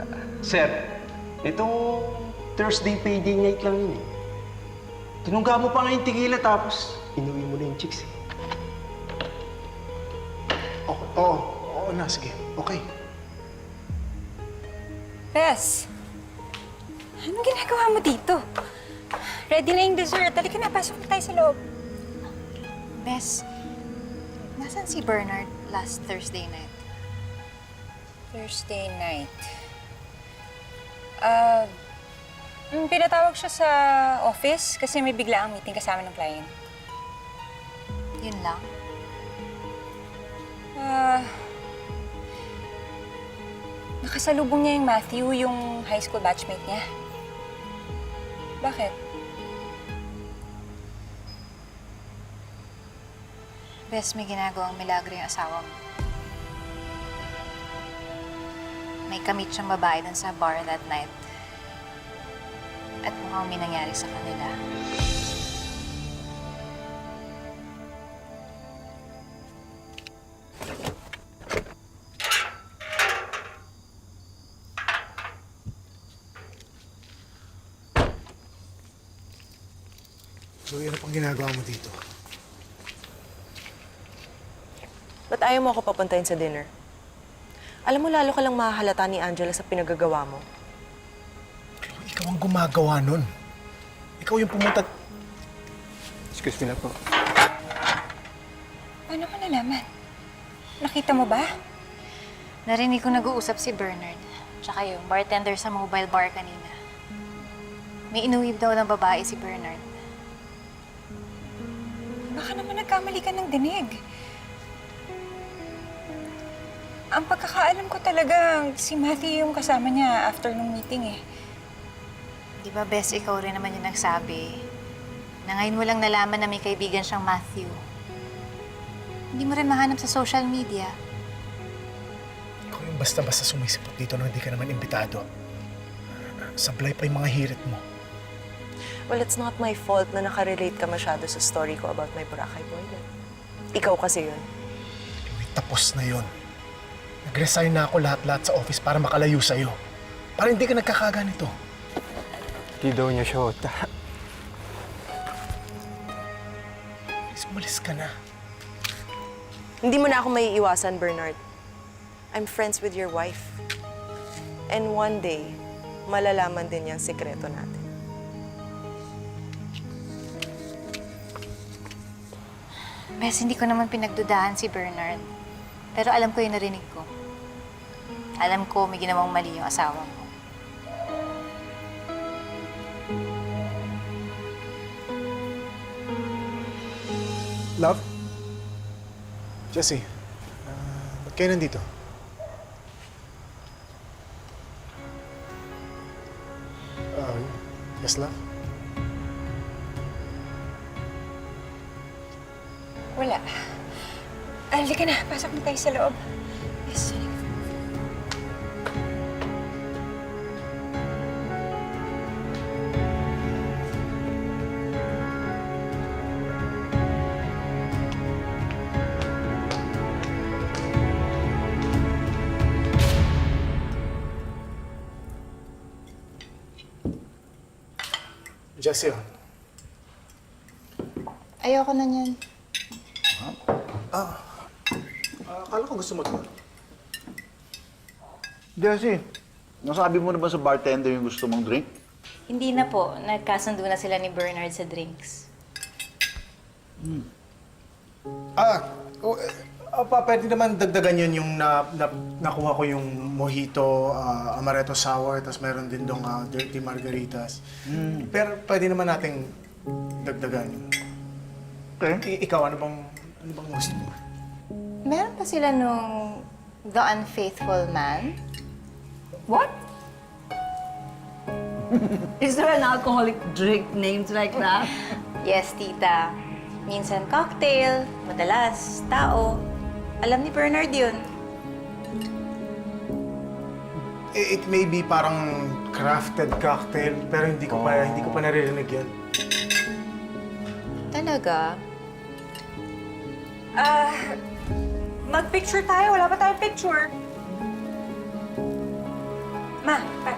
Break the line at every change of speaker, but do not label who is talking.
Sir, ito Thursday payday night lang yun eh. Tinungga mo pa nga yung tequila tapos inuwi mo na yung chicks eh.
Oo na, sige. Okay.
Bes, anong ginagawa mo dito? Ready na yung dessert. Halika na, pasok na tayo sa loob.
Bes, nasan si Bernard last Thursday night?
Thursday night. Pinatawag siya sa office kasi may biglaang meeting kasama ng client.
Yun lang?
Nakasalubong niya yung Matthew, yung high school batchmate niya. Bakit?
Bes, may ginagawang milagro yung asawa mo. May kamit siyang babae dun sa bar that night. At mukhang may nangyari sa kanila.
So, ano pang ginagawa mo dito?
Ba't ayaw mo ako papuntahin sa dinner? Alam mo, lalo ka lang mahahalata ni Angela sa pinagagawa mo.
Ikaw ang gumagawa nun. Ikaw yung pumunta...
Excuse me na po.
Paano mo nalaman? Nakita mo ba?
Narinig ko nag-uusap si Bernard. Tsaka yung bartender sa mobile bar kanina. May inuwib daw ng babae si Bernard.
Baka naman nagkamali ka ng dinig. Ang pagkakaalam ko talaga, si Matthew yung kasama niya after nung meeting eh.
Di ba, Bes, ikaw rin naman yung nagsabi na ngayon mo lang nalaman na may kaibigan siyang Matthew. Hindi mo rin mahanap sa social media.
Ikaw yung basta-basta sumisipot dito nang hindi ka naman imbitado. Sablay pa yung mga hirit mo.
Well, it's not my fault na nakarelate ka masyado sa story ko about my Boracay boyfriend. Ikaw kasi yun.
Uy, tapos na yun. Nag-resign na ako lahat-lahat sa office para makalayo sa'yo. Para hindi ka nagkakaganito.
Di daw niya shota.
Please, umalis ka na.
Hindi mo na ako maiiwasan, Bernard. I'm friends with your wife. And one day, malalaman din yung sikreto natin.
Bes, hindi ko naman pinagdudahan si Bernard. Pero alam ko yung narinig ko. Alam ko may ginawang mali yung asawa mo.
Love? Jessie, ba't kayo nandito? Yes, love?
Wala. Halika na, pasok na tayo sa loob. Yes, halika.
Jessie, oh.
Ayoko na niyan.
Akala ko gusto mo ito.
Jessie, nasabi mo na ba sa bartender yung gusto mong drink?
Hindi na po. Nagkasundo na sila ni Bernard sa drinks.
Pwede naman dagdagan yun yung nakuha ko yung mojito, amaretto sour, tapos meron din dong dirty margaritas. Pero pwede naman nating dagdagan yun.
Okay.
Ikaw, ano bang gusto mo?
Meron pa sila nung The Unfaithful Man.
What? Is there an alcoholic drink named like that?
Yes, tita. Minsan cocktail, madalas tao. Alam ni Bernard yun.
It may be parang crafted cocktail, pero hindi ko pa naririnig yan.
Talaga?
Mag-picture tayo. Wala pa tayong picture. Ma,